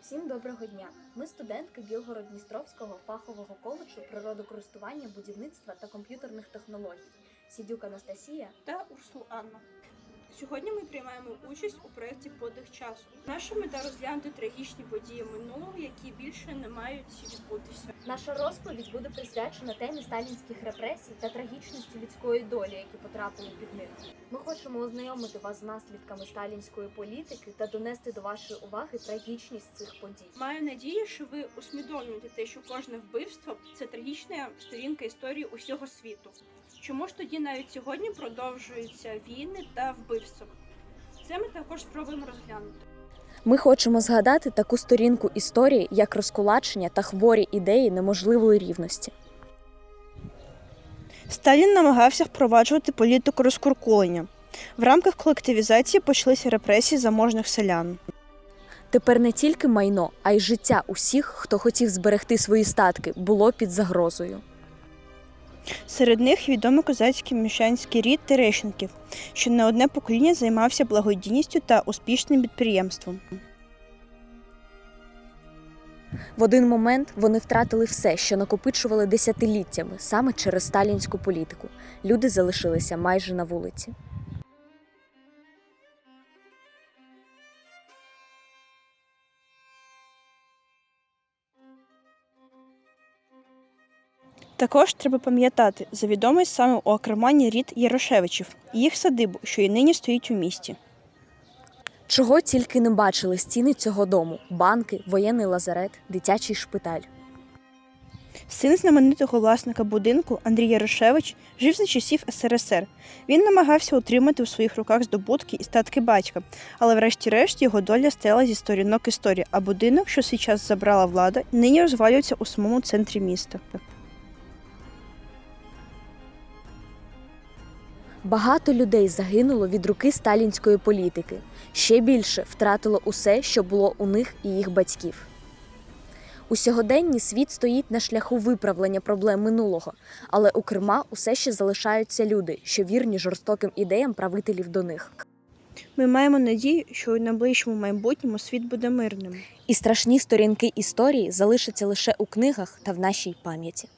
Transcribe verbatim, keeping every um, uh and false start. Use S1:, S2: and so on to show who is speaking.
S1: Всім доброго дня! Ми студентки Білгород-Дністровського фахового коледжу природокористування, будівництва та комп'ютерних технологій Сідюк Анастасія
S2: та Урсул Анна. Сьогодні ми приймаємо участь у проєкті «Подих часу». Наша мета – розглянути трагічні події минулого, які більше не мають відбутися.
S1: Наша розповідь буде присвячена темі сталінських репресій та трагічності людської долі, які потрапили під них. Ми хочемо ознайомити вас з наслідками сталінської політики та донести до вашої уваги трагічність цих подій.
S2: Маю надію, що ви усвідомлюєте те, що кожне вбивство – це трагічна сторінка історії усього світу. Чому ж тоді навіть сьогодні продовжуються війни та вбивства? Це ми також спробуємо розглянути.
S1: Ми хочемо згадати таку сторінку історії, як розкулачення та хворі ідеї неможливої рівності.
S3: Сталін намагався впроваджувати політику розкуркулення. В рамках колективізації почалися репресії заможних селян.
S1: Тепер не тільки майно, а й життя усіх, хто хотів зберегти свої статки, було під загрозою.
S3: Серед них відомий козацький міщанський рід Терещенків, що не одне покоління займався благодійністю та успішним підприємством.
S1: В один момент вони втратили все, що накопичували десятиліттями, саме через сталінську політику. Люди залишилися майже на вулиці.
S3: Також треба пам'ятати за відомий саме у Акермані рід Ярошевичів і їх садибу, що і нині стоїть у місті.
S1: Чого тільки не бачили стіни цього дому – банки, воєнний лазарет, дитячий шпиталь.
S3: Син знаменитого власника будинку Андрій Ярошевич жив за часів ес ер ес ер. Він намагався утримати у своїх руках здобутки і статки батька, але врешті-решт його доля стояла зі сторінок історії, а будинок, що свій час забрала влада, нині розвалюється у самому центрі міста.
S1: Багато людей загинуло від руки сталінської політики. Ще більше втратило усе, що було у них і їх батьків. У сьогоденні світ стоїть на шляху виправлення проблем минулого, але у Криму усе ще залишаються люди, що вірні жорстоким ідеям правителів до них.
S3: Ми маємо надію, що у найближчому майбутньому світ буде мирним.
S1: І страшні сторінки історії залишаться лише у книгах та в нашій пам'яті.